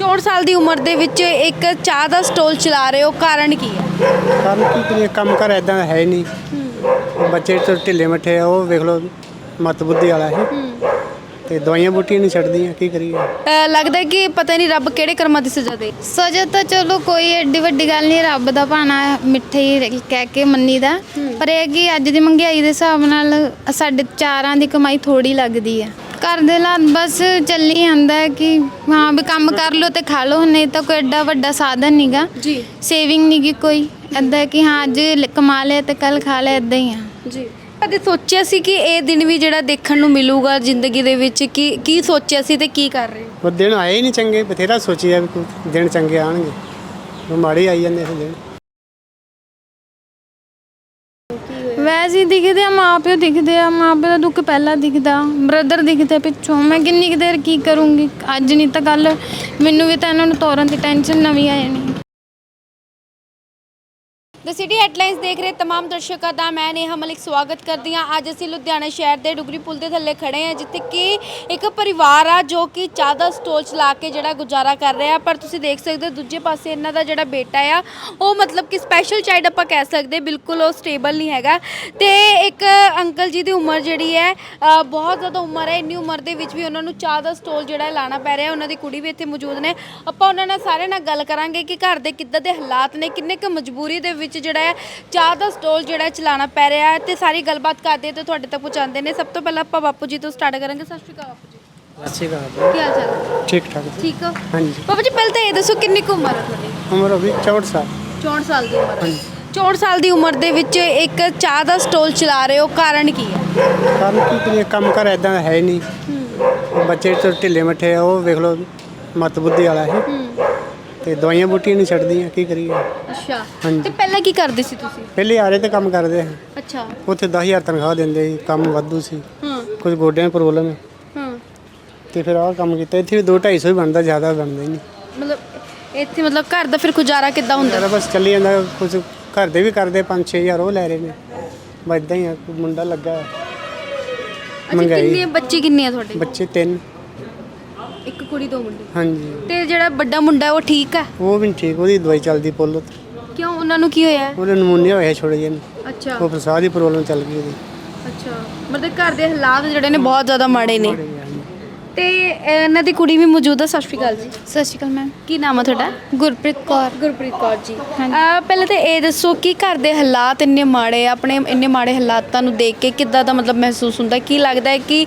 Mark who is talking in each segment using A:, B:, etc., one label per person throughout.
A: 64 ਸਾਲ ਦੀ ਉਮਰ ਦੇ ਵਿੱਚ ਇੱਕ ਚਾਹ ਦਾ ਸਟੋਲ ਚਲਾ ਰਹੇ ਹੋ, ਕਾਰਨ ਕੀ ਹੈ?
B: ਕੰਮ ਕੀ ਕਰੀਏ, ਕੰਮ ਕਰ ਇਦਾਂ ਦਾ ਹੈ ਹੀ ਨਹੀਂ। ਬੱਚੇ ਤੋਂ ਢਿੱਲੇ ਮੱਠੇ ਆ, ਉਹ ਵੇਖ ਲਓ ਮੱਤ ਬੁੱਧੀ ਵਾਲਾ ਹੈ ਤੇ ਦਵਾਈਆਂ ਬੂਟੀਆਂ ਨਹੀਂ ਛੱਡਦੀਆਂ, ਕੀ ਕਰੀਏ।
A: ਲੱਗਦਾ ਹੈ ਕਿ ਪਤਾ ਨਹੀਂ ਰੱਬ ਕਿਹੜੇ ਕਰਮਾਂ ਦੀ ਸਜ਼ਾ ਦੇ।
C: ਸਜ਼ਾ ਤਾਂ ਚਲੋ ਕੋਈ ਐਡੀ ਵੱਡੀ ਗੱਲ ਨਹੀਂ, ਰੱਬ ਦਾ ਭਾਣਾ ਮਿੱਠੇ ਹੀ ਕਹਿ ਕੇ ਮੰਨੀ ਦਾ। ਪਰ ਇਹ ਕਿ ਅੱਜ ਦੀ ਮਹਿੰਗਾਈ ਦੇ ਹਿਸਾਬ ਨਾਲ ਸਾਡੇ ਚਾਰਾਂ ਦੀ ਕਮਾਈ ਥੋੜੀ ਲੱਗਦੀ ਹੈ। ਘਰ ਦੇ ਹਾਲਾਤ ਬਸ ਚੱਲੀ ਜਾਂਦਾ ਹੈ ਕਿ ਹਾਂ ਵੀ ਕੰਮ ਕਰ ਲਓ ਤੇ ਖਾ ਲਓ, ਨਹੀਂ ਤਾਂ ਕੋਈ ਐਡਾ ਵੱਡਾ ਸਾਧਨ ਨਹੀਂਗਾ
A: ਜੀ
C: ਸੇਵਿੰਗ ਨਹੀਂ ਗੀ ਕੋਈ ਇੱਦਾਂ ਕਿ ਹਾਂ ਅੱਜ ਕਮਾ ਲਿਆ ਤੇ ਕੱਲ ਖਾ ਲਿਆ, ਇੱਦਾਂ ਹੀ ਆ।
A: ਜੀ ਕਦੇ ਸੋਚਿਆ ਸੀ ਕਿ ਇਹ ਦਿਨ ਵੀ ਜਿਹੜਾ ਦੇਖਣ ਨੂੰ ਮਿਲੂਗਾ ਜ਼ਿੰਦਗੀ ਦੇ ਵਿੱਚ? ਕੀ ਸੋਚਿਆ ਸੀ ਤੇ ਕੀ ਕਰ ਰਹੇ ਹੋ?
B: ਉਹ ਦਿਨ ਆਏ ਹੀ ਨਹੀਂ ਚੰਗੇ, ਬਥੇਰਾ ਸੋਚਿਆ ਵੀ ਕੋਈ ਦਿਨ ਚੰਗੇ ਆਣਗੇ, ਉਹ ਮਾੜੇ ਆਈ ਜਾਂਦੇ ਸੀ ਦਿਨ।
C: ਵੈਸੇ ਹੀ ਦਿਖਦੇ ਆ, ਮਾਂ ਪਿਓ ਦਿਖਦੇ ਆ, ਮਾਂ ਪਿਓ ਦਾ ਦੁੱਖ ਪਹਿਲਾਂ ਦਿਖਦਾ, ਬ੍ਰਦਰ ਦਿਖਦੇ ਪਿੱਛੋਂ। ਮੈਂ ਕਿੰਨੀ ਕੁ ਦੇਰ ਕੀ ਕਰੂੰਗੀ, ਅੱਜ ਨਹੀਂ ਤਾਂ ਕੱਲ ਮੈਨੂੰ ਵੀ ਤਾਂ ਇਹਨਾਂ ਨੂੰ ਤੋਰਨ ਦੀ ਟੈਨਸ਼ਨ ਨਵੀਂ ਆ ਜਾਣੀ।
A: ਦ ਸਿਟੀ ਹੈਡਲਾਈਨਸ ਦੇਖ ਰਹੇ तमाम ਦਰਸ਼ਕਾਂ ਦਾ ਮੈਂ ਨੇਹਾ ਮਲਿਕ ਸਵਾਗਤ ਕਰਦੀ ਹਾਂ। ਅੱਜ ਅਸੀਂ ਲੁਧਿਆਣਾ ਸ਼ਹਿਰ ਦੇ ਡੁਗਰੀ ਪੁਲ ਦੇ ਥੱਲੇ ਖੜੇ ਹਾਂ, ਜਿੱਥੇ ਕਿ ਇੱਕ ਪਰਿਵਾਰ ਆ ਜੋ ਕਿ ਚਾਹ ਦਾ ਸਟੋਲ ਚਲਾ ਕੇ ਜਿਹੜਾ ਗੁਜ਼ਾਰਾ ਕਰ ਰਿਹਾ। ਪਰ ਤੁਸੀਂ ਦੇਖ ਸਕਦੇ ਹੋ ਦੂਜੇ ਪਾਸੇ ਇਹਨਾਂ ਦਾ ਜਿਹੜਾ ਬੇਟਾ ਆ ਉਹ ਮਤਲਬ ਕਿ ਸਪੈਸ਼ਲ ਚਾਈਲਡ ਆਪਾਂ ਕਹਿ ਸਕਦੇ, ਬਿਲਕੁਲ ਉਹ ਸਟੇਬਲ ਨਹੀਂ ਹੈਗਾ। ਤੇ ਇੱਕ ਅੰਕਲ ਜੀ ਦੀ ਉਮਰ ਜਿਹੜੀ ਹੈ ਬਹੁਤ ਜ਼ਿਆਦਾ ਉਮਰ ਹੈ, ਇੰਨੀ ਉਮਰ ਦੇ ਵਿੱਚ ਵੀ ਉਹਨਾਂ ਨੂੰ ਚਾਹ ਦਾ ਸਟੋਲ ਜਿਹੜਾ ਲਾਣਾ ਪੈ ਰਿਹਾ। ਉਹਨਾਂ ਦੀ ਕੁੜੀ ਵੀ ਇੱਥੇ ਮੌਜੂਦ ਨੇ, ਆਪਾਂ ਉਹਨਾਂ ਨਾਲ ਸਾਰਿਆਂ ਨਾਲ ਗੱਲ ਕਰਾਂਗੇ ਕਿ ਘਰ ਦੇ ਕਿੱਦਾਂ ਦੇ ਹਾਲਾਤ ਨੇ, ਕਿੰਨੇ ਕੁ ਮਜਬੂਰੀ ਦੇ ਵਿੱਚ ਜਿਹੜਾ ਹੈ ਚਾਹ ਦਾ ਸਟੋਲ ਜਿਹੜਾ ਚਲਾਉਣਾ ਪੈ ਰਿਹਾ ਹੈ, ਤੇ ਸਾਰੀ ਗੱਲਬਾਤ ਕਰਦੇ ਤੇ ਤੁਹਾਡੇ ਤੱਕ ਪਹੁੰਚਾਉਂਦੇ ਨੇ। ਸਭ ਤੋਂ ਪਹਿਲਾਂ ਆਪਾਂ ਬਾਪੂ ਜੀ ਤੋਂ ਸਟਾਰਟ ਕਰਾਂਗੇ। ਸਤਿ ਸ਼੍ਰੀ ਅਕਾਲ ਬਾਪੂ ਜੀ।
B: ਸਤਿ ਸ਼੍ਰੀ ਅਕਾਲ।
A: ਕੀ ਹਾਲ ਚਾਲ ਹੈ?
B: ਠੀਕ ਠਾਕ।
A: ਠੀਕ ਹੋ?
B: ਹਾਂਜੀ।
A: ਬਾਪੂ ਜੀ ਪਹਿਲਾਂ ਤਾਂ ਇਹ ਦੱਸੋ ਕਿੰਨੀ ਕੁ ਉਮਰ ਹੈ ਤੁਹਾਡੀ?
B: ਉਮਰ ਹੋ ਗਈ 64 ਸਾਲ।
A: 64 ਸਾਲ ਦੀ ਉਮਰ ਹੈ।
B: ਹਾਂਜੀ।
A: 64 ਸਾਲ ਦੀ ਉਮਰ ਦੇ ਵਿੱਚ ਇੱਕ ਚਾਹ ਦਾ ਸਟੋਲ ਚਲਾ ਰਹੇ ਹੋ, ਕਾਰਨ ਕੀ ਹੈ?
B: ਕੰਮ ਕੀ ਕਰੀਏ, ਕੰਮ ਕਰ ਇਦਾਂ ਦਾ ਹੈ ਹੀ ਨਹੀਂ। ਬੱਚੇ ਤੋਂ ਢਿੱਲੇ ਮੱਠੇ ਆ, ਉਹ ਵੇਖ ਲਓ ਮੱਤ ਬੁੱਧੀ ਵਾਲਾ ਹੈ ਤੇ ਦਵਾਈਆਂ ਬੂਟੀਆਂ ਨਹੀਂ ਛੱਡਦੀਆਂ, ਕੀ ਕਰੀਏ।
A: ਅੱਛਾ।
B: ਹਾਂਜੀ।
A: ਤੇ ਪਹਿਲਾਂ ਕੀ ਕਰਦੇ ਸੀ ਤੁਸੀਂ?
B: ਪਹਿਲੇ ਆਰੇ ਤੇ ਕੰਮ ਕਰਦੇ ਹਾਂ,
A: ਅੱਛਾ।
B: ਉੱਥੇ 10,000 ਤਨਖਾਹ ਦਿੰਦੇ ਸੀ, ਕੰਮ ਵਾਧੂ ਸੀ,
A: ਹਾਂ
B: ਕੁਝ ਗੋਡਿਆਂ ਦੀ ਪ੍ਰੋਬਲਮ ਹੈ
A: ਹਾਂ।
B: ਤੇ ਫਿਰ ਆਹ ਕੰਮ ਕੀਤਾ। ਇੱਥੇ ਵੀ 2-250 ਹੀ ਬਣਦਾ, ਜ਼ਿਆਦਾ ਬਣਦਾ ਹੀ ਨਹੀਂ।
A: ਮਤਲਬ ਇੱਥੇ ਮਤਲਬ ਘਰ ਦਾ ਫਿਰ ਗੁਜ਼ਾਰਾ ਕਿੱਦਾਂ ਹੁੰਦਾ?
B: ਜ਼ਿਆਦਾ ਬਸ ਚੱਲੀ ਜਾਂਦਾ, ਕੁਝ ਘਰ ਦੇ ਵੀ ਕਰਦੇ 5-6 ਹਜ਼ਾਰ ਉਹ ਲੈ ਰਹੇ ਨੇ, ਬਸ ਇੱਦਾਂ ਹੀ ਆ। ਕੋਈ ਮੁੰਡਾ ਲੱਗਾ
A: ਅੱਛਾ,
B: ਮਹਿੰਗਾਈ।
A: ਕਿੰਨੇ ਬੱਚੇ ਕਿੰਨੇ ਆ ਤੁਹਾਡੇ?
B: ਬੱਚੇ 3।
A: ਇੱਕ ਕੁੜੀ 2 ਮੁੰਡੇ।
B: ਹਾਂਜੀ।
A: ਤੇ ਜਿਹੜਾ ਵੱਡਾ ਮੁੰਡਾ ਹੈ ਉਹ ਠੀਕ ਹੈ?
B: ਉਹ ਵੀ ਨੀ ਠੀਕ, ਉਹਦੀ ਦਵਾਈ ਚੱਲਦੀ ਪੁੱਲ ਉੱਤੇ।
A: ਕਿਉਂ, ਉਹਨਾਂ ਨੂੰ ਕੀ ਹੋਇਆ ਹੈ?
B: ਉਹਨੇ ਨਮੂਨੀਆ ਹੋਇਆ ਛੋੜੇ ਜਿਹੇ ਨੂੰ,
A: ਅੱਛਾ
B: ਉਹ ਫਸਾਦ ਦੀ ਪ੍ਰੋਬਲਮ ਚੱਲ ਗਈ ਉਹਦੀ।
A: ਅੱਛਾ, ਮਤਲਬ ਘਰ ਦੇ ਹਾਲਾਤ ਜਿਹੜੇ ਨੇ ਬਹੁਤ ਜ਼ਿਆਦਾ ਮਾੜੇ ਨੇ।
B: ਹਾਂਜੀ।
A: ਤੇ ਇਹਨਾਂ ਦੀ ਕੁੜੀ ਵੀ ਮੌਜੂਦ ਹੈ। ਸਤਿ ਸ਼੍ਰੀ ਅਕਾਲ ਜੀ।
C: ਸਤਿ ਸ਼੍ਰੀ ਅਕਾਲ ਮੈਮ।
A: ਕੀ ਨਾਮ ਹੈ ਤੁਹਾਡਾ?
C: ਗੁਰਪ੍ਰੀਤ ਕੌਰ।
A: ਗੁਰਪ੍ਰੀਤ ਕੌਰ ਜੀ।
C: ਹਾਂਜੀ।
A: ਪਹਿਲਾਂ ਤਾਂ ਇਹ ਦੱਸੋ ਕਿ ਘਰ ਦੇ ਹਾਲਾਤ ਇੰਨੇ ਮਾੜੇ ਆ, ਆਪਣੇ ਇੰਨੇ ਮਾੜੇ ਹਾਲਾਤਾਂ ਨੂੰ ਦੇਖ ਕੇ ਕਿੱਦਾਂ ਦਾ ਮਤਲਬ ਮਹਿਸੂਸ ਹੁੰਦਾ? ਕੀ ਲੱਗਦਾ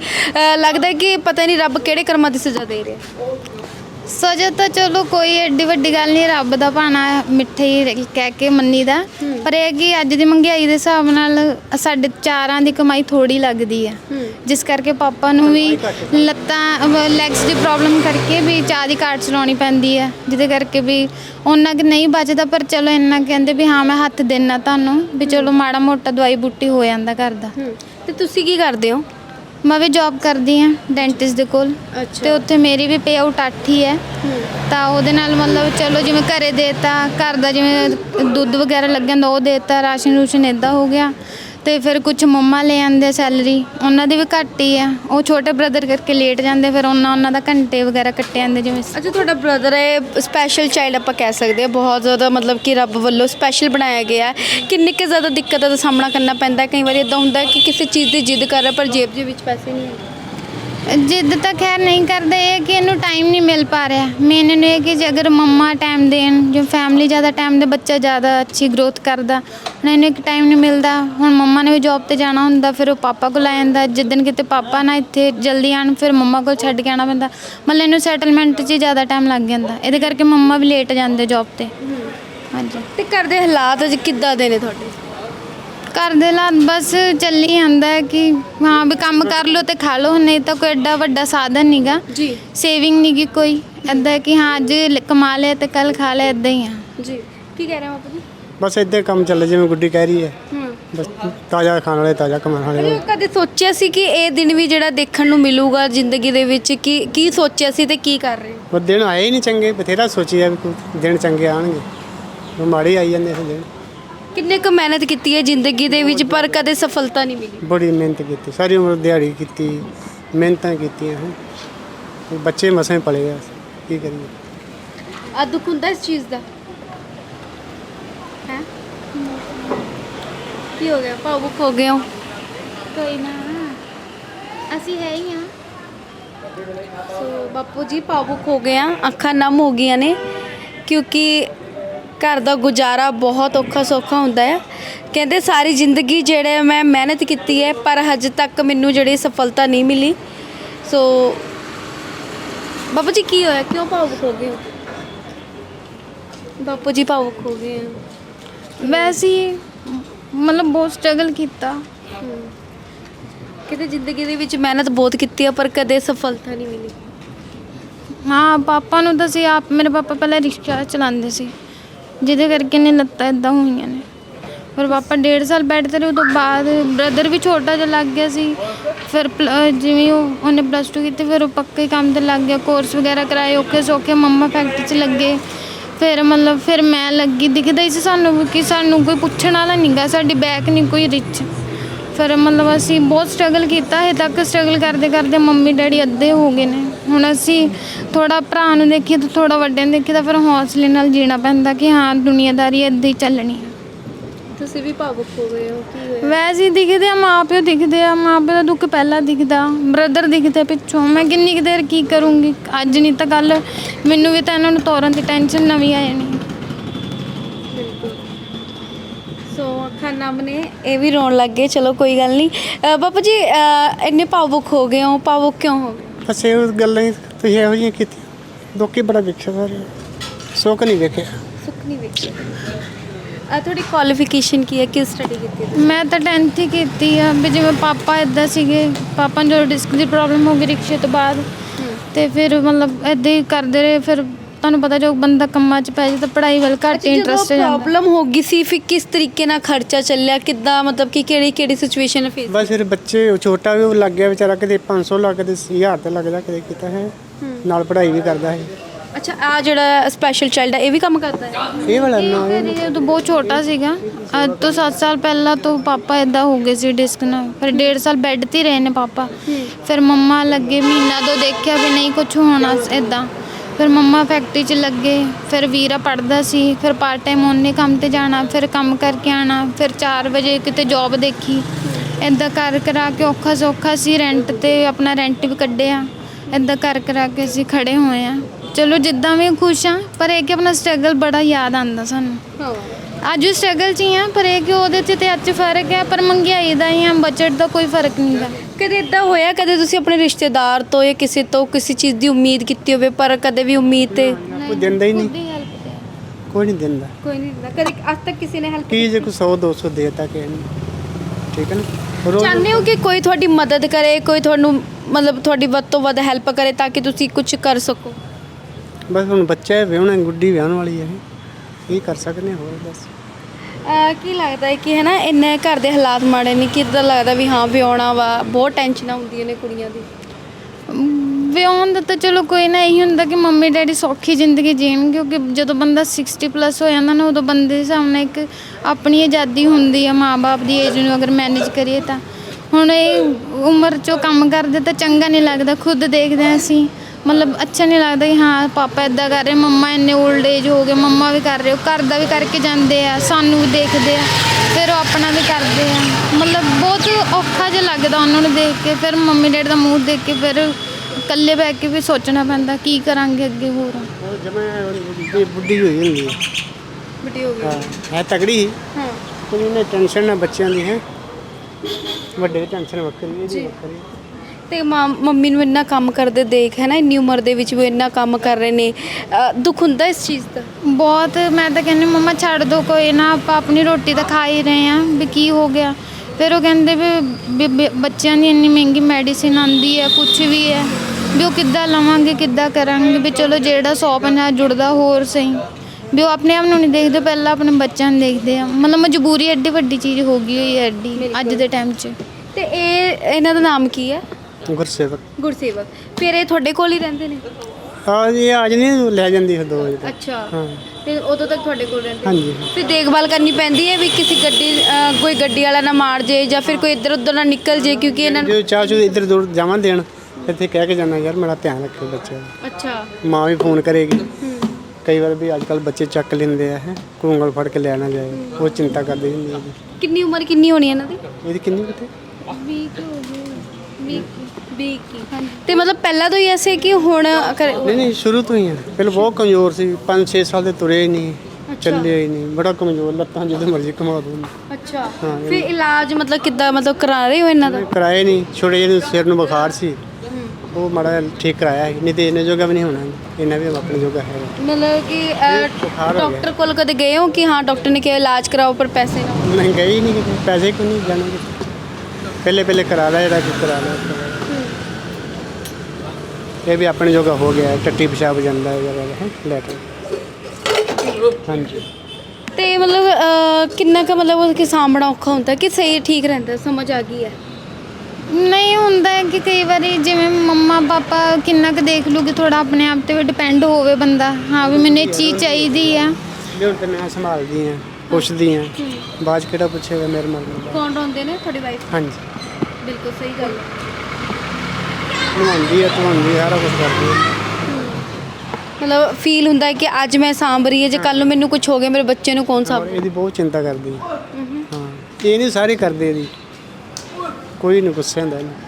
A: ਹੈ ਕਿ ਪਤਾ ਨਹੀਂ ਰੱਬ ਕਿਹੜੇ ਕਰਮਾਂ ਦੀ ਸਜ਼ਾ ਦੇ ਰਿਹਾ?
C: ਸਜ਼ਾ ਤਾਂ ਚਲੋ ਕੋਈ ਐਡੀ ਵੱਡੀ ਗੱਲ ਨਹੀਂ, ਰੱਬ ਦਾ ਭਾਣਾ ਮਿੱਠੇ ਹੀ ਕਹਿ ਕੇ ਮੰਨੀ ਦਾ। ਪਰ ਇਹ ਕਿ ਅੱਜ ਦੀ ਮਹਿੰਗਾਈ ਦੇ ਹਿਸਾਬ ਨਾਲ ਸਾਡੇ ਚਾਰਾਂ ਦੀ ਕਮਾਈ ਥੋੜੀ ਲੱਗਦੀ ਹੈ, ਜਿਸ ਕਰਕੇ ਪਾਪਾ ਨੂੰ ਵੀ ਲੱਤਾਂ ਲੈਗਸ ਦੀ ਪ੍ਰੋਬਲਮ ਕਰਕੇ ਵੀ ਚਾਹ ਦੀ ਕਾਟ ਚਲਾਉਣੀ ਪੈਂਦੀ ਹੈ, ਜਿਹਦੇ ਕਰਕੇ ਵੀ ਉਹਨਾਂ ਕਿ ਨਹੀਂ ਬਚਦਾ। ਪਰ ਚਲੋ ਇੰਨਾ ਕਹਿੰਦੇ ਵੀ ਹਾਂ ਮੈਂ ਹੱਥ ਦੇਣਾ ਤੁਹਾਨੂੰ, ਵੀ ਚਲੋ ਮਾੜਾ ਮੋਟਾ ਦਵਾਈ ਬੂਟੀ ਹੋ ਜਾਂਦਾ ਘਰ ਦਾ।
A: ਤੇ ਤੁਸੀਂ ਕੀ ਕਰਦੇ ਹੋ?
C: ਮੈਂ ਵੀ ਜੌਬ ਕਰਦੀ ਹਾਂ ਡੈਂਟਿਸਟ ਦੇ ਕੋਲ, ਤੇ ਉੱਥੇ ਮੇਰੀ ਵੀ ਪੇ ਆਊਟ 8 ਹੀ ਹੈ। ਤਾਂ ਉਹਦੇ ਨਾਲ ਮਤਲਬ ਚਲੋ ਜਿਵੇਂ ਘਰੇ ਦੇਤਾ, ਘਰ ਦਾ ਜਿਵੇਂ ਦੁੱਧ ਵਗੈਰਾ ਲੱਗ ਜਾਂਦਾ ਉਹ ਦੇਤਾ, ਰਾਸ਼ਨ ਰੂਸ਼ਨ ਇੱਦਾਂ ਹੋ ਗਿਆ। ਤੇ ਫਿਰ ਕੁਝ ਮੰਮਾ ਲੈ ਆਉਂਦੇ ਸੈਲਰੀ, ਉਹਨਾਂ ਦੀ ਵੀ ਘੱਟ ਹੀ ਆ। ਉਹ ਛੋਟੇ ਬ੍ਰਦਰ ਕਰਕੇ ਲੇਟ ਜਾਂਦੇ, ਫਿਰ ਉਹਨਾਂ ਦਾ ਘੰਟੇ ਵਗੈਰਾ ਕੱਟੇ ਜਾਂਦੇ ਜਿਵੇਂ।
A: ਅੱਛਾ, ਤੁਹਾਡਾ ਬ੍ਰਦਰ ਹੈ ਸਪੈਸ਼ਲ ਚਾਈਲਡ ਆਪਾਂ ਕਹਿ ਸਕਦੇ ਹਾਂ, ਬਹੁਤ ਜ਼ਿਆਦਾ ਮਤਲਬ ਕਿ ਰੱਬ ਵੱਲੋਂ ਸਪੈਸ਼ਲ ਬਣਾਇਆ ਗਿਆ। ਕਿੰਨੀ ਕੁ ਜ਼ਿਆਦਾ ਦਿੱਕਤਾਂ ਦਾ ਸਾਹਮਣਾ ਕਰਨਾ ਪੈਂਦਾ? ਕਈ ਵਾਰੀ ਇੱਦਾਂ ਹੁੰਦਾ ਕਿ ਕਿਸੇ ਚੀਜ਼ ਦੀ ਜਿੱਦ ਕਰ ਰਿਹਾ ਪਰ ਜੇਬ ਦੇ ਵਿੱਚ ਪੈਸੇ ਨਹੀਂ ਹੈ।
C: ਜਿੱਦ ਤਾਂ ਖੈਰ ਨਹੀਂ ਕਰਦਾ, ਇਹ ਕਿ ਇਹਨੂੰ ਟਾਈਮ ਨਹੀਂ ਮਿਲ ਪਾ ਰਿਹਾ। ਮੇਨ ਇਹਨੂੰ ਇਹ ਕਿ ਜੇ ਅਗਰ ਮੰਮਾ ਟਾਈਮ ਦੇਣ, ਜੋ ਫੈਮਿਲੀ ਜ਼ਿਆਦਾ ਟਾਈਮ ਦੇ, ਬੱਚਾ ਜ਼ਿਆਦਾ ਅੱਛੀ ਗਰੋਥ ਕਰਦਾ। ਹੁਣ ਇਹਨੂੰ ਇੱਕ ਟਾਈਮ ਨਹੀਂ ਮਿਲਦਾ। ਹੁਣ ਮੰਮਾ ਨੇ ਵੀ ਜੌਬ 'ਤੇ ਜਾਣਾ ਹੁੰਦਾ, ਫਿਰ ਉਹ ਪਾਪਾ ਕੋਲ ਆ ਜਾਂਦਾ। ਜਿੱਦਣ ਕਿਤੇ ਪਾਪਾ ਨਾ ਇੱਥੇ ਜਲਦੀ ਆਉਣ, ਫਿਰ ਮੰਮਾ ਕੋਲ ਛੱਡ ਕੇ ਆਉਣਾ ਪੈਂਦਾ। ਮਤਲਬ ਇਹਨੂੰ ਸੈਟਲਮੈਂਟ 'ਚ ਜ਼ਿਆਦਾ ਟਾਈਮ ਲੱਗ ਜਾਂਦਾ, ਇਹਦੇ ਕਰਕੇ ਮੰਮਾ ਵੀ ਲੇਟ ਜਾਂਦੇ ਜੌਬ 'ਤੇ। ਹਾਂਜੀ।
A: ਤੇ ਘਰ ਦੇ ਹਾਲਾਤ ਅੱਜ ਕਿੱਦਾਂ ਦੇ ਨੇ ਤੁਹਾਡੇ?
C: ਘਰ ਦੇ ਹਾਲਾਤ ਬਸ ਚੱਲੀ ਜਾਂਦਾ ਹੈ ਕਿ ਹਾਂ ਵੀ ਕੰਮ ਕਰ ਲਓ ਤੇ ਖਾ ਲਓ, ਨਹੀਂ ਤਾਂ ਕੋਈ ਐਡਾ ਵੱਡਾ ਸਾਧਨ ਨਹੀਂਗਾ
A: ਜੀ
C: ਸੇਵਿੰਗ ਨਹੀਂ ਗੀ ਕੋਈ ਇੱਦਾਂ ਕਿ ਹਾਂ ਅੱਜ ਕਮਾ ਲਿਆ ਤੇ ਕੱਲ ਖਾ ਲਿਆ, ਇੱਦਾਂ ਹੀ ਆ।
A: ਜੀ ਕੀ ਕਹਿ ਰਹੇ ਹੋ ਬਾਪੂ ਜੀ?
B: ਬਸ ਇੱਦਾਂ ਕੰਮ ਚੱਲੇ ਜਿਵੇਂ ਗੁੱਡੀ ਕਹਿ ਰਹੀ ਹੈ, ਬਸ ਤਾਜ਼ਾ ਖਾਣ ਵਾਲੇ ਤਾਜ਼ਾ ਕਮਾਉਣ ਵਾਲੇ।
A: ਕਦੇ ਸੋਚਿਆ ਸੀ ਕਿ ਇਹ ਦਿਨ ਵੀ ਜਿਹੜਾ ਦੇਖਣ ਨੂੰ ਮਿਲੂਗਾ ਜ਼ਿੰਦਗੀ ਦੇ ਵਿੱਚ? ਕੀ ਸੋਚਿਆ ਸੀ ਤੇ ਕੀ ਕਰ ਰਹੇ ਹੋ?
B: ਉਹ ਦਿਨ ਆਏ ਹੀ ਨਹੀਂ ਚੰਗੇ, ਬਥੇਰਾ ਸੋਚਿਆ ਵੀ ਕੋਈ ਦਿਨ ਚੰਗੇ ਆਣਗੇ, ਉਹ ਮਾੜੇ ਆਈ ਜਾਂਦੇ ਸੀ ਦਿਨ।
A: ਕਿੰਨੇ ਕੁ ਮਿਹਨਤ ਕੀਤੀ ਹੈ ਜ਼ਿੰਦਗੀ ਦੇ ਵਿੱਚ ਪਰ ਕਦੇ ਸਫਲਤਾ ਨਹੀਂ ਮਿਲੀ?
B: ਬੜੀ ਮਿਹਨਤ ਕੀਤੀ, ਸਾਰੀ ਉਮਰ ਦਿਹਾੜੀ ਕੀਤੀ, ਮਿਹਨਤਾਂ ਕੀਤੀਆਂ। ਬੱਚੇ ਮਸਾਂ ਹੀ ਪਲੇ ਆ, ਕੀ ਕਰੀਏ।
A: ਆ ਦੁੱਖ ਹੁੰਦਾ ਇਸ ਚੀਜ਼ ਦਾ ਹੈ? ਕੀ ਹੋ ਗਿਆ? ਭਾਵੁਕ ਹੋ ਗਏ ਹੋ?
C: ਕੋਈ ਨਾ, ਅਸੀਂ ਹੈ ਹੀ ਆ।
A: ਸੋ ਬਾਪੂ ਜੀ ਭਾਵੁਕ ਹੋ ਗਏ ਆ, ਅੱਖਾਂ ਨਮ ਹੋ ਗਈਆਂ ਨੇ ਕਿਉਂਕਿ ਘਰ ਦਾ ਗੁਜ਼ਾਰਾ ਬਹੁਤ ਔਖਾ ਸੌਖਾ ਹੁੰਦਾ ਹੈ। ਕਹਿੰਦੇ ਸਾਰੀ ਜ਼ਿੰਦਗੀ ਜਿਹੜੇ ਮੈਂ ਮਿਹਨਤ ਕੀਤੀ ਹੈ ਪਰ ਹਜੇ ਤੱਕ ਮੈਨੂੰ ਜਿਹੜੀ ਸਫਲਤਾ ਨਹੀਂ ਮਿਲੀ। ਸੋ ਬਾਪੂ ਜੀ ਕੀ ਹੋਇਆ, ਕਿਉਂ ਭਾਵੁਕ ਹੋ ਗਏ ਹੋ? ਬਾਪੂ ਜੀ ਭਾਵੁਕ ਹੋ ਗਏ ਆ।
C: ਵੈਸੇ ਹੀ ਮਤਲਬ ਬਹੁਤ ਸਟਰਗਲ ਕੀਤਾ।
A: ਕਿਤੇ ਜ਼ਿੰਦਗੀ ਦੇ ਵਿੱਚ ਮਿਹਨਤ ਬਹੁਤ ਕੀਤੀ ਹੈ ਪਰ ਕਦੇ ਸਫਲਤਾ ਨਹੀਂ ਮਿਲੀ।
C: ਹਾਂ, ਪਾਪਾ ਨੂੰ ਤਾਂ ਸੀ ਆਪ, ਮੇਰੇ ਪਾਪਾ ਪਹਿਲਾਂ ਰਿਕਸ਼ਾ ਚਲਾਉਂਦੇ ਸੀ ਜਿਹਦੇ ਕਰਕੇ ਨੇ ਲੱਤਾਂ ਇਦਾਂ ਹੋਈਆਂ ਨੇ। ਪਰ ਪਾਪਾ 1.5 ਸਾਲ ਬੈੱਡ ਤੇ ਰਹੇ। ਉਦੋਂ ਬਾਅਦ ਬ੍ਰਦਰ ਵੀ ਛੋਟਾ ਜਿਹਾ ਲੱਗ ਗਿਆ ਸੀ। ਫਿਰ ਜਿਵੇਂ ਉਹਨੇ +2 ਕੀਤੀ ਫਿਰ ਉਹ ਪੱਕੇ ਕੰਮ ਤੇ ਲੱਗ ਗਿਆ, ਕੋਰਸ ਵਗੈਰਾ ਕਰਾਏ ਔਖੇ ਸੌਖੇ। ਮੰਮਾ ਫੈਕਟਰੀ 'ਚ ਲੱਗੇ। ਫਿਰ ਮੈਂ ਲੱਗੀ। ਦਿਖਦਾ ਹੀ ਸੀ ਸਾਨੂੰ ਕਿ ਸਾਨੂੰ ਕੋਈ ਪੁੱਛਣ ਵਾਲਾ ਨਹੀਂ ਗਾ, ਸਾਡੀ ਬੈਕ ਨਹੀਂ ਕੋਈ ਰਿਚ। ਫਿਰ ਅਸੀਂ ਬਹੁਤ ਸਟਰਗਲ ਕੀਤਾ। ਹਜੇ ਤੱਕ ਸਟਰਗਲ ਕਰਦੇ ਕਰਦੇ ਮੰਮੀ ਡੈਡੀ ਅੱਧੇ ਹੋ ਗਏ ਨੇ। ਹੁਣ ਅਸੀਂ ਥੋੜਾ ਭਰਾ ਨੂੰ ਦੇਖੀਏ ਤਾਂ ਥੋੜਾ ਵੱਡਿਆਂ ਨੂੰ ਦੇਖੀਏ ਤਾਂ ਫਿਰ ਹੌਸਲੇ ਨਾਲ ਜੀਣਾ ਪੈਂਦਾ ਕਿ ਹਾਂ ਦੁਨੀਆਦਾਰੀ ਇੱਦਾਂ ਹੀ ਚੱਲਣੀ ਹੈ।
A: ਤੁਸੀਂ ਵੀ ਭਾਵੁਕ ਹੋ ਗਏ ਹੋ, ਕੀ ਹੋਇਆ?
C: ਵੈਸੇ ਹੀ ਦਿਖਦੇ ਆ, ਮਾਂ ਪਿਓ ਦਿਖਦੇ ਆ। ਮਾਂ ਪਿਓ ਦਾ ਦੁੱਖ ਪਹਿਲਾਂ ਦਿਖਦਾ, ਬ੍ਰਦਰ ਦਿਖਦੇ ਪਿੱਛੋਂ। ਮੈਂ ਕਿੰਨੀ ਕੁ ਦੇਰ ਕੀ ਕਰੂੰਗੀ? ਅੱਜ ਨਹੀਂ ਤਾਂ ਕੱਲ ਮੈਨੂੰ ਵੀ ਤਾਂ ਇਹਨਾਂ ਨੂੰ ਤੋਰਨ ਦੀ ਟੈਨਸ਼ਨ ਨਵੀਂ ਆ ਜਾਣੀ।
A: ਸੋ ਅੱਖਾਂ ਨਮ ਨੇ, ਇਹ ਵੀ ਰੋਣ ਲੱਗ ਗਏ। ਚਲੋ ਕੋਈ ਗੱਲ ਨਹੀਂ। ਬਾਪੂ ਜੀ ਇੰਨੇ ਭਾਵੁਕ ਹੋ ਗਏ ਹੋ, ਭਾਵੁਕ ਕਿਉਂ ਹੋ ਗਏ?
B: ਬਸ ਇਹ ਗੱਲਾਂ ਹੀ ਤੁਸੀਂ ਇਹੋ ਜਿਹੀਆਂ ਕੀਤੀਆਂ। ਦੁੱਖ ਹੀ ਬੜਾ ਵੇਖਿਆ ਸਾਰੇ, ਸੁੱਖ ਨਹੀਂ ਵੇਖਿਆ।
A: ਸੁੱਖ ਨਹੀਂ ਵੇਖਿਆ। ਤੁਹਾਡੀ ਕੁਆਲੀਫਿਕੇਸ਼ਨ ਕੀ ਹੈ, ਕਿਸ ਸਟੱਡੀ ਕੀਤੀ ਹੈ?
C: ਮੈਂ ਤਾਂ 10th ਹੀ ਕੀਤੀ ਆ। ਵੀ ਜਿਵੇਂ ਪਾਪਾ ਇੱਦਾਂ ਸੀਗੇ, ਪਾਪਾ ਨੂੰ ਜਦੋਂ ਡਿਸਕ ਦੀ ਪ੍ਰੋਬਲਮ ਹੋ ਗਈ ਰਿਕਸ਼ੇ ਤੋਂ ਬਾਅਦ, ਤੇ ਫਿਰ ਇੱਦਾਂ ਹੀ ਕਰਦੇ ਰਹੇ। ਫਿਰ ਤੁਹਾਨੂੰ ਪਤਾ ਜੋ ਬੰਦਾ ਕੰਮਾਂ 'ਚ ਪੈ ਜਾਏ ਤਾਂ ਪੜ੍ਹਾਈ ਵੱਲ ਘੱਟ ਇੰਟਰਸਟ ਜਾਂਦਾ।
A: ਪ੍ਰੋਬਲਮ ਹੋ ਗਈ ਸੀ ਫਿਰ ਕਿਸ ਤਰੀਕੇ ਨਾਲ ਖਰਚਾ ਚੱਲਿਆ, ਕਿੱਦਾਂ ਮਤਲਬ ਕਿ ਕਿਹੜੀ ਸਿਚੁਏਸ਼ਨ ਫੇਸ?
B: ਬਸ ਫਿਰ ਬੱਚੇ ਛੋਟਾ ਵੀ ਉਹ ਲੱਗ ਗਿਆ ਵਿਚਾਰਾ, ਕਿਤੇ 500 ਲੱਗ, ਕਿਤੇ 1000 ਤੇ ਲੱਗਦਾ, ਕਿਤੇ ਕੀਤਾ ਹੈ। ਨਾਲ ਪੜ੍ਹਾਈ ਵੀ ਕਰਦਾ ਹੈ।
A: ਅੱਛਾ, ਆ ਜਿਹੜਾ ਸਪੈਸ਼ਲ ਚਾਈਲਡ ਹੈ ਇਹ ਵੀ ਕੰਮ ਕਰਦਾ ਹੈ?
B: ਇਹ ਵਾਲਾ ਨਾ
C: ਇਹ ਤਾਂ ਬਹੁਤ ਛੋਟਾ ਸੀਗਾ। ਅੱਜ ਤੋਂ 7 ਸਾਲ ਪਹਿਲਾਂ ਤੋਂ ਪਾਪਾ ਇੱਦਾਂ ਹੋ ਗਏ ਸੀ ਡਿਸਕ ਨਾਲ। ਫਿਰ 1.5 ਸਾਲ ਬੈੱਡ 'ਤੇ ਹੀ ਰਹੇ ਨੇ ਪਾਪਾ। ਫਿਰ ਮੰਮਾ ਲੱਗੇ, ਮਹੀਨਾ ਤੋਂ ਦੇਖਿਆ ਵੀ ਨਹੀਂ ਕੁਝ ਹੋਣਾ ਇੱਦਾਂ। ਫਿਰ ਮੰਮਾ ਫੈਕਟਰੀ 'ਚ ਲੱਗੇ। ਫਿਰ ਵੀਰਾ ਪੜ੍ਹਦਾ ਸੀ। ਫਿਰ ਪਾਰਟ ਟਾਈਮ ਉਹਨੇ ਕੰਮ 'ਤੇ ਜਾਣਾ, ਫਿਰ ਕੰਮ ਕਰਕੇ ਆਉਣਾ। ਫਿਰ 4 ਵਜੇ ਕਿਤੇ ਜੋਬ ਦੇਖੀ। ਇੱਦਾਂ ਕਰਾ ਕੇ ਔਖਾ ਸੌਖਾ ਸੀ ਰੈਂਟ 'ਤੇ ਆਪਣਾ ਰੈਂਟ ਵੀ ਕੱਢਿਆ। ਇੱਦਾਂ ਕਰਾ ਕੇ ਅਸੀਂ ਖੜੇ ਹੋਏ ਹਾਂ। ਚਲੋ ਜਿੱਦਾਂ ਵੀ ਖੁਸ਼ ਹਾਂ, ਪਰ ਇਹ ਕਿ ਆਪਣਾ ਸਟਰਗਲ ਬੜਾ ਯਾਦ ਆਉਂਦਾ ਸਾਨੂੰ। ਅੱਜ ਵੀ ਸਟਰਗਲ 'ਚ ਹੀ ਹਾਂ, ਪਰ ਇਹ ਕਿ ਉਹਦੇ 'ਚ ਤੇ ਅੱਜ 'ਚ ਫਰਕ ਹੈ। ਪਰ ਮਹਿੰਗਾਈ ਦਾ ਹੀ ਆ, ਬਜਟ ਦਾ ਕੋਈ ਫਰਕ ਨਹੀਂ ਗਾ।
A: ਕਦੇ ਇਦਾਂ ਹੋਇਆ ਕਦੇ ਤੁਸੀਂ ਆਪਣੇ ਰਿਸ਼ਤੇਦਾਰ ਤੋਂ ਜਾਂ ਕਿਸੇ ਤੋਂ ਕਿਸੇ ਚੀਜ਼ ਦੀ ਉਮੀਦ ਕੀਤੀ ਹੋਵੇ ਪਰ ਕਦੇ ਵੀ ਉਮੀਦ ਤੇ
B: ਕੋਈ ਦਿੰਦਾ ਹੀ ਨਹੀਂ, ਕੋਈ ਨਹੀਂ ਦਿੰਦਾ।
A: ਕੋਈ ਨਹੀਂ ਦਿੰਦਾ? ਕਦੇ ਅੱਜ ਤੱਕ ਕਿਸੇ ਨੇ ਹੈਲਪ
B: ਕੀ ਜੇ ਕੋਈ 100 200 ਦੇਤਾ ਕਿਸੇ ਨੇ, ਠੀਕ ਹੈ ਨਾ। ਰੋਜ਼
A: ਚਾਹੁੰਦੇ ਹੋ ਕਿ ਕੋਈ ਤੁਹਾਡੀ ਮਦਦ ਕਰੇ, ਕੋਈ ਤੁਹਾਨੂੰ ਮਤਲਬ ਤੁਹਾਡੀ ਵੱਧ ਤੋਂ ਵੱਧ ਹੈਲਪ ਕਰੇ ਤਾਂ ਕਿ ਤੁਸੀਂ ਕੁਝ ਕਰ ਸਕੋ?
B: ਬਸ ਹੁਣ ਬੱਚਾ ਹੈ, ਵਿਆਹੁਣਾ, ਗੁੱਡੀ ਵਿਆਹਣ ਵਾਲੀ ਹੈ, ਕੀ ਕਰ ਸਕਦੇ ਹਾਂ ਹੋਰ ਬਸ।
A: ਕੀ ਲੱਗਦਾ ਹੈ ਕਿ ਹੈ ਨਾ ਇੰਨੇ ਘਰ ਦੇ ਹਾਲਾਤ ਮਾੜੇ ਨੇ, ਕਿੱਦਾਂ ਲੱਗਦਾ ਵੀ ਹਾਂ ਵਿਆਹੁਣਾ ਵਾ, ਬਹੁਤ ਟੈਨਸ਼ਨਾਂ ਹੁੰਦੀਆਂ ਨੇ ਕੁੜੀਆਂ ਦੀ?
C: ਵਿਆਹੁਣ ਦਾ ਤਾਂ ਚਲੋ ਕੋਈ ਨਾ, ਇਹੀ ਹੁੰਦਾ ਕਿ ਮੰਮੀ ਡੈਡੀ ਸੌਖੀ ਜ਼ਿੰਦਗੀ ਜੀਣ। ਕਿਉਂਕਿ ਜਦੋਂ ਬੰਦਾ 60+ ਹੋ ਜਾਂਦਾ ਨਾ, ਉਦੋਂ ਬੰਦੇ ਦੇ ਸਾਹਮਣੇ ਇੱਕ ਆਪਣੀ ਆਜ਼ਾਦੀ ਹੁੰਦੀ ਆ। ਮਾਂ-ਬਾਪ ਦੀ ਏਜ ਨੂੰ ਅਗਰ ਮੈਨੇਜ ਕਰੀਏ ਤਾਂ ਹੁਣ ਇਹ ਉਮਰ 'ਚੋਂ ਕੰਮ ਕਰਦੇ ਤਾਂ ਚੰਗਾ ਨਹੀਂ ਲੱਗਦਾ। ਖੁਦ ਦੇਖਦੇ ਹਾਂ ਅਸੀਂ, ਅੱਛਾ ਨਹੀਂ ਲੱਗਦਾ ਕਿ ਹਾਂ ਪਾਪਾ ਇੱਦਾਂ ਕਰ ਰਹੇ, ਮੰਮਾ ਇੰਨੇ ਓਲਡ ਏਜ ਹੋ ਗਏ, ਮੰਮਾ ਵੀ ਕਰ ਰਹੇ, ਉਹ ਘਰ ਦਾ ਵੀ ਕਰਕੇ ਜਾਂਦੇ ਆ, ਸਾਨੂੰ ਵੀ ਦੇਖਦੇ ਆ, ਫਿਰ ਉਹ ਆਪਣਾ ਵੀ ਕਰਦੇ ਆ। ਬਹੁਤ ਔਖਾ ਜਿਹਾ ਲੱਗਦਾ ਉਹਨਾਂ ਨੂੰ ਦੇਖ ਕੇ। ਫਿਰ ਮੰਮੀ ਡੈਡੀ ਦਾ ਮੂੰਹ ਦੇਖ ਕੇ ਫਿਰ ਇਕੱਲੇ ਬਹਿ ਕੇ ਵੀ ਸੋਚਣਾ ਪੈਂਦਾ ਕੀ ਕਰਾਂਗੇ ਅੱਗੇ ਹੋਰ।
B: ਜਿਵੇਂ ਬੁੱਢੀ ਹੋਈ ਹੁੰਦੀ ਹੈ,
A: ਵੱਡੀ ਹੋ ਗਈ।
B: ਹੈ ਤਗੜੀ ਹੀ,
A: ਹਾਂ
B: ਕੋਈ ਉਹਨੇ ਟੈਨਸ਼ਨ ਨਾ ਬੱਚਿਆਂ ਦੀ ਹੈ, ਵੱਡੇ ਦੀ ਟੈਨਸ਼ਨ ਵੱਖਰੀ, ਇਹਦੀ ਵੱਖਰੀ।
A: ਤੇ ਮੰਮੀ ਨੂੰ ਇੰਨਾ ਕੰਮ ਕਰਦੇ ਦੇਖ ਹੈ ਨਾ, ਇੰਨੀ ਉਮਰ ਦੇ ਵਿੱਚ ਵੀ ਇੰਨਾ ਕੰਮ ਕਰ ਰਹੇ ਨੇ, ਦੁੱਖ ਹੁੰਦਾ ਇਸ ਚੀਜ਼ ਦਾ?
C: ਬਹੁਤ। ਮੈਂ ਤਾਂ ਕਹਿੰਦੀ ਮੰਮਾ ਛੱਡ ਦਿਓ, ਕੋਈ ਨਾ, ਆਪਾਂ ਆਪਣੀ ਰੋਟੀ ਤਾਂ ਖਾ ਹੀ ਰਹੇ ਹਾਂ, ਵੀ ਕੀ ਹੋ ਗਿਆ। ਫਿਰ ਉਹ ਕਹਿੰਦੇ ਵੀ ਬੱਚਿਆਂ ਦੀ ਇੰਨੀ ਮਹਿੰਗੀ ਮੈਡੀਸਿਨ ਆਉਂਦੀ ਹੈ, ਕੁਝ ਵੀ ਹੈ, ਵੀ ਉਹ ਕਿੱਦਾਂ ਲਵਾਂਗੇ, ਕਿੱਦਾਂ ਕਰਾਂਗੇ। ਵੀ ਚਲੋ ਜਿਹੜਾ 150 ਜੁੜਦਾ ਹੋਰ ਸਹੀ, ਵੀ ਉਹ ਆਪਣੇ ਆਪ ਨੂੰ ਨਹੀਂ ਦੇਖਦੇ, ਪਹਿਲਾਂ ਆਪਣੇ ਬੱਚਿਆਂ ਨੂੰ ਦੇਖਦੇ ਆ। ਮਜਬੂਰੀ ਐਡੀ ਵੱਡੀ ਚੀਜ਼ ਹੋ ਗਈ ਹੋਈ ਹੈ ਐਡੀ ਅੱਜ ਦੇ ਟਾਈਮ 'ਚ।
A: ਤੇ ਇਹਨਾਂ ਦਾ ਨਾਮ ਕੀ ਹੈ?
B: ਗੁਰਸੇਵਕ।
A: ਗੁਰਸੇਵਕ। ਫਿਰ ਇਹ ਤੁਹਾਡੇ ਕੋਲ ਹੀ ਰਹਿੰਦੇ ਨੇ?
B: ਹਾਂ ਜੀ, ਅੱਜ ਨਹੀਂ ਲੈ ਜਾਂਦੀ ਫਿਰ 2 ਵਜੇ ਤੱਕ।
A: ਅੱਛਾ।
B: ਹਾਂ
A: ਤੇ ਉਦੋਂ ਤੱਕ ਤੁਹਾਡੇ ਕੋਲ ਰਹਿੰਦੇ?
B: ਹਾਂਜੀ।
A: ਫਿਰ ਦੇਖਭਾਲ ਕਰਨੀ ਪੈਂਦੀ ਹੈ ਵੀ ਕਿਸੇ ਕੋਈ ਗੱਡੀ ਵਾਲਾ ਨਾ ਮਾਰ ਜੇ ਜਾਂ ਫਿਰ ਕੋਈ ਇੱਧਰ ਉੱਧਰ ਨਾ ਨਿਕਲ ਜੇ, ਕਿਉਂਕਿ ਇਹਨਾਂ ਨੂੰ
B: ਜੋ ਚਾਹ ਚੂ ਇੱਧਰ ਦੂਰ ਜਾਵਾਂ ਦੇਣ, ਇੱਥੇ ਕਹਿ ਕੇ ਜਾਣਾ ਯਾਰ ਮੇਰਾ ਧਿਆਨ ਰੱਖਿਓ ਬੱਚੇ ਦਾ।
A: ਅੱਛਾ।
B: ਮਾਂ ਵੀ ਫੋਨ ਕਰੇਗੀ ਕਈ ਵਾਰ ਵੀ ਅੱਜ ਕੱਲ ਬੱਚੇ ਚੱਕ ਲੈਂਦੇ ਆ ਹੈ ਕੋਈ ਉਂਗਲ ਫੜ ਕੇ ਲੈ ਨਾ ਜਾਏ, ਉਹ ਚਿੰਤਾ ਕਰਦੇ ਹੁੰਦੇ ਆ ਜੀ।
A: ਕਿੰਨੀ ਉਮਰ ਕਿੰਨੀ ਹੋਣੀ ਇਹਨਾਂ ਦੀ?
B: ਇਹਦੀ ਕਿੰਨੀ ਕਿਤੇ
A: 20 ਤੇ ਮਤਲਬ ਪਹਿਲਾਂ ਤੋਂ ਹੀ ਐਸੇ ਕਿ ਹੁਣ
B: ਨਹੀਂ ਨਹੀਂ, ਸ਼ੁਰੂ ਤੋਂ ਹੀ ਆ। ਪਹਿਲਾਂ ਬਹੁਤ ਕਮਜ਼ੋਰ ਸੀ, 5-6 ਸਾਲ ਦੇ ਤੁਰੇ ਹੀ ਨਹੀਂ, ਚੱਲੇ ਹੀ ਨਹੀਂ, ਬੜਾ ਕਮਜ਼ੋਰ, ਲੱਤਾਂ ਜਦੋਂ ਮਰਜ਼ੀ ਘੁਮਾ ਦੋ।
A: ਅੱਛਾ,
B: ਹਾਂ,
A: ਫਿਰ ਇਲਾਜ ਮਤਲਬ ਕਿੱਦਾਂ ਮਤਲਬ ਕਰਾ ਰਹੇ ਹੋ ਇਹਨਾਂ ਦਾ?
B: ਕਰਾਏ ਨਹੀਂ, ਛੋਟੇ ਜਿਹੇ ਨੂੰ ਸਿਰ ਨੂੰ ਬੁਖਾਰ ਸੀ, ਉਹ ਮਾੜਾ ਜਿਹਾ ਠੀਕ ਕਰਾਇਆ ਸੀ, ਨਹੀਂ ਤੇ ਇਹਨੇ ਜੋਗਾ ਵੀ ਨਹੀਂ ਹੋਣਾ, ਇਹਨਾਂ ਵੀ ਆਪਣੇ ਜੋਗਾ ਹੈ।
A: ਮਤਲਬ ਕਿ
B: ਬੁਖਾਰ ਹੋ
A: ਡਾਕਟਰ ਕੋਲ ਕਦੇ ਗਏ ਹੋ ਕਿ ਹਾਂ ਡਾਕਟਰ ਨੇ ਕਿਹਾ ਇਲਾਜ ਕਰਾਓ ਪਰ ਪੈਸੇ ਨਾ?
B: ਨਹੀਂ ਗਏ ਹੀ ਨਹੀਂ ਕਿਤੇ, ਪੈਸੇ ਕੋਈ ਨਹੀਂ ਜਾਣਾ ਕਿਤੇ। ਪਹਿਲੇ ਕਰਾ ਲਿਆ ਜਿਹੜਾ ਕੁਝ ਕਰਾ ਲਿਆ। ਇਹ ਵੀ ਆਪਣੇ ਜੋਗਾ ਹੋ ਗਿਆ, ਟੱਟੀ ਪਿਸ਼ਾਬ ਜਾਂਦਾ ਹੈ ਜਰਾ ਲੈ ਕੇ। ਹਾਂਜੀ।
A: ਤੇ ਮਤਲਬ ਕਿੰਨਾ ਕੁ ਮਤਲਬ ਉਹ ਕਿ ਸਾਂਭਣਾ ਔਖਾ ਹੁੰਦਾ ਕਿ ਸਹੀ ਠੀਕ ਰਹਿੰਦਾ? ਸਮਝ ਆ ਗਈ ਹੈ।
C: ਨਹੀਂ ਹੁੰਦਾ ਹੈ ਕਿ ਕਈ ਵਾਰੀ ਜਿਵੇਂ ਮੰਮਾ ਪਾਪਾ ਕਿੰਨਾ ਕੁ ਦੇਖ ਲੂਗੇ, ਥੋੜਾ ਆਪਣੇ ਆਪ ਤੇ ਵੀ ਡਿਪੈਂਡ ਹੋਵੇ ਬੰਦਾ, ਹਾਂ ਵੀ ਮੈਨੂੰ ਇਹ ਚੀਜ਼ ਚਾਹੀਦੀ ਆ।
B: ਵੀ ਹੁਣ ਤੇ ਮੈਂ ਸੰਭਾਲਦੀ ਹਾਂ, ਪੁੱਛਦੀ ਹਾਂ, ਬਾਅਦ 'ਚ ਕਿਹੜਾ ਪੁੱਛੇਗਾ ਮੇਰੇ ਮਨ ਨੂੰ।
A: ਕੌਣ ਰੋਂਦੇ ਨੇ? ਤੁਹਾਡੀ ਵਾਈਫ?
B: ਹਾਂਜੀ,
A: ਬਿਲਕੁਲ ਸਹੀ ਗੱਲ ਹੈ।
B: ਨਹਾਉਂਦੀ ਹੈ, ਧਵਾਉਂਦੀ ਹੈ, ਸਾਰਾ ਕੁਝ ਕਰਦੀ ਹੈ।
A: ਮਤਲਬ ਫੀਲ ਹੁੰਦਾ ਹੈ ਕਿ ਅੱਜ ਮੈਂ ਸਾਂਭ ਰਹੀ ਹਾਂ, ਜੇ ਕੱਲ ਨੂੰ ਮੈਨੂੰ ਕੁਝ ਹੋ ਗਿਆ ਮੇਰੇ ਬੱਚੇ ਨੂੰ ਕੌਣ
B: ਔਰ
A: ਸਾਂਭ?
B: ਇਹਦੀ ਬਹੁਤ ਚਿੰਤਾ ਕਰਦੀ ਹੈ। ਹਾਂ, ਇਹ ਨਹੀਂ ਸਾਰੇ ਕਰਦੇ, ਇਹਦੀ ਕੋਈ ਨਹੀਂ ਗੁੱਸੇ ਹੁੰਦਾ ਇਹਨੂੰ।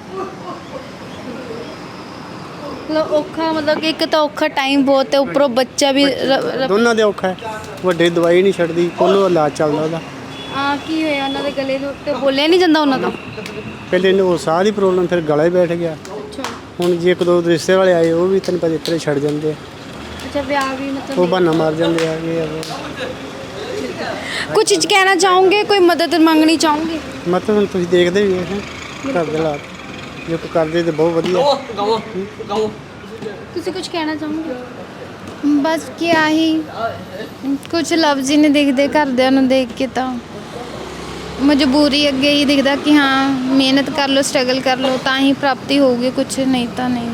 A: ਮਤਲਬ ਔਖਾ, ਮਤਲਬ ਕਿ ਇੱਕ ਤਾਂ ਔਖਾ ਟਾਈਮ ਬਹੁਤ ਹੈ, ਉੱਪਰੋਂ ਬੱਚਾ ਵੀ
B: ਦੋਨਾਂ ਦੇ ਔਖਾ ਹੈ। ਵੱਡੇ ਦਵਾਈ ਨਹੀਂ ਛੱਡਦੀ, ਕੋਲੋਂ ਇਲਾਜ ਚੱਲਦਾ ਉਹਦਾ।
A: ਕੀ ਹੋਇਆ ਉਹਨਾਂ ਦੇ ਗਲੇ ਦੇ ਉੱਤੇ? ਬੋਲਿਆ ਨਹੀਂ ਜਾਂਦਾ ਉਹਨਾਂ ਤੋਂ?
B: ਪਹਿਲੇ ਇਹਨੂੰ ਉਹ ਸਾਹ ਦੀ ਪ੍ਰੋਬਲਮ, ਫਿਰ ਗਲਾ ਹੀ ਬੈਠ ਗਿਆ।
A: ਅੱਛਾ
B: ਹੁਣ ਜੇ ਇੱਕ ਦੋ ਰਿਸ਼ਤੇ ਵਾਲੇ ਆਏ, ਉਹ ਵੀ ਤੈਨੂੰ ਪਤਾ ਇਤਰੇ ਛੱਡ ਜਾਂਦੇ ਆ,
A: ਅੱਛਾ, ਵਿਆਹ ਵੀ ਮਤਲਬ
B: ਉਹ ਬਹਾਨਾ ਮਾਰ ਜਾਂਦੇ ਆ ਇਹ
A: ਕੁਝ ਕਹਿਣਾ ਚਾਹੋਗੇ? ਕੋਈ ਮਦਦ ਮੰਗਣੀ ਚਾਹੋਗੇ?
B: ਮਤਲਬ ਹੁਣ ਤੁਸੀਂ ਦੇਖਦੇ ਵੀ ਹੈ ਘਰ ਦੇ ਹਾਲਾਤ, ਜੇ ਕੋਈ ਕਰਦੇ ਤਾਂ ਬਹੁਤ ਵਧੀਆ।
A: ਤੁਸੀਂ ਕੁਝ ਕਹਿਣਾ ਚਾਹੋਗੇ?
C: ਬਸ ਕਿਆ ਹੀ, ਕੁਝ ਲਫ਼ਜ਼ ਹੀ ਨਹੀਂ ਦਿਖਦੇ ਘਰਦਿਆਂ ਨੂੰ ਦੇਖ ਕੇ, ਤਾਂ ਮਜਬੂਰੀ ਅੱਗੇ ਹੀ ਦਿਖਦਾ ਕਿ ਹਾਂ ਮਿਹਨਤ ਕਰ ਲਓ, ਸਟਰਗਲ ਕਰ ਲਓ, ਤਾਂ ਹੀ ਪ੍ਰਾਪਤੀ ਹੋਊਗੀ, ਕੁਝ ਨਹੀਂ ਤਾਂ ਨਹੀਂ।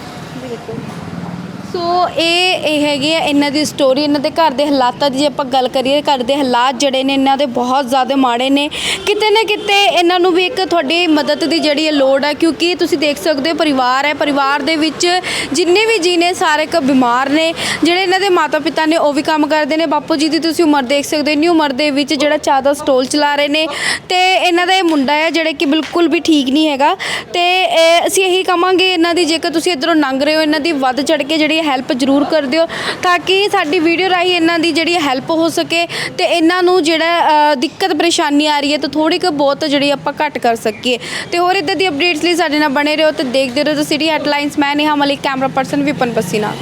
A: ਸੋ ਇਹ ਹੈਗੀ ਆ ਇਹਨਾਂ ਦੀ ਸਟੋਰੀ। ਇਹਨਾਂ ਦੇ ਘਰ ਦੇ ਹਾਲਾਤਾਂ ਦੀ ਜੇ ਆਪਾਂ ਗੱਲ ਕਰੀਏ, ਘਰ ਦੇ ਹਾਲਾਤ ਜਿਹੜੇ ਨੇ ਇਹਨਾਂ ਦੇ ਬਹੁਤ ਜ਼ਿਆਦਾ ਮਾੜੇ ਨੇ। ਕਿਤੇ ਨਾ ਕਿਤੇ ਇਹਨਾਂ ਨੂੰ ਵੀ ਇੱਕ ਤੁਹਾਡੀ ਮਦਦ ਦੀ ਜਿਹੜੀ ਹੈ ਲੋੜ ਹੈ, ਕਿਉਂਕਿ ਤੁਸੀਂ ਦੇਖ ਸਕਦੇ ਹੋ ਪਰਿਵਾਰ ਹੈ, ਪਰਿਵਾਰ ਦੇ ਵਿੱਚ ਜਿੰਨੇ ਵੀ ਜੀ ਨੇ ਸਾਰੇ ਇੱਕ ਬਿਮਾਰ ਨੇ। ਜਿਹੜੇ ਇਹਨਾਂ ਦੇ ਮਾਤਾ ਪਿਤਾ ਨੇ ਉਹ ਵੀ ਕੰਮ ਕਰਦੇ ਨੇ। ਬਾਪੂ ਜੀ ਦੀ ਤੁਸੀਂ ਉਮਰ ਦੇਖ ਸਕਦੇ ਹੋ, ਇੰਨੀ ਉਮਰ ਦੇ ਵਿੱਚ ਜਿਹੜਾ ਚਾਹ ਦਾ ਸਟੋਲ ਚਲਾ ਰਹੇ ਨੇ, ਤੇ ਇਹਨਾਂ ਦਾ ਇਹ ਮੁੰਡਾ ਹੈ ਜਿਹੜਾ ਕਿ ਬਿਲਕੁਲ ਵੀ ਠੀਕ ਨਹੀਂ ਹੈਗਾ। ਤੇ ਅਸੀਂ ਇਹੀ ਕਹਾਂਗੇ ਇਹਨਾਂ ਦੀ, ਜੇਕਰ ਤੁਸੀਂ ਇੱਧਰੋਂ ਲੰਘ ਰਹੇ ਹੋ, ਇਹਨਾਂ ਦੀ ਵੱਧ ਚੜ ਕੇ ਜਿਹੜੀ ਹੈਲਪ ਜ਼ਰੂਰ ਕਰ ਦਿਓ, ਤਾਂ ਕਿ ਸਾਡੀ ਵੀਡੀਓ ਰਾਹੀਂ ਇਹਨਾਂ ਦੀ ਜਿਹੜੀ ਹੈਲਪ ਹੋ ਸਕੇ ਤੇ ਇਹਨਾਂ ਨੂੰ ਜਿਹੜਾ ਦਿੱਕਤ ਪਰੇਸ਼ਾਨੀ ਆ ਰਹੀ ਹੈ ਤਾਂ ਥੋੜੀ ਕੁ ਬਹੁਤ ਜਿਹੜੀ ਆਪਾਂ ਘੱਟ ਕਰ ਸਕੀਏ। ਤੇ ਹੋਰ ਇੱਦਾਂ ਦੀ ਅਪਡੇਟਸ ਲਈ ਸਾਡੇ ਨਾਲ ਬਣੇ ਰਹੋ ਤੇ ਦੇਖਦੇ ਰਹੋ ਦ ਸਿਟੀ ਹੈਡਲਾਈਨਸ। ਮੈਂ ਨੇਹਾ ਮਲਿਕ, ਕੈਮਰਾ ਪਰਸਨ ਵਿਪਨ ਪਸੀਨਾ।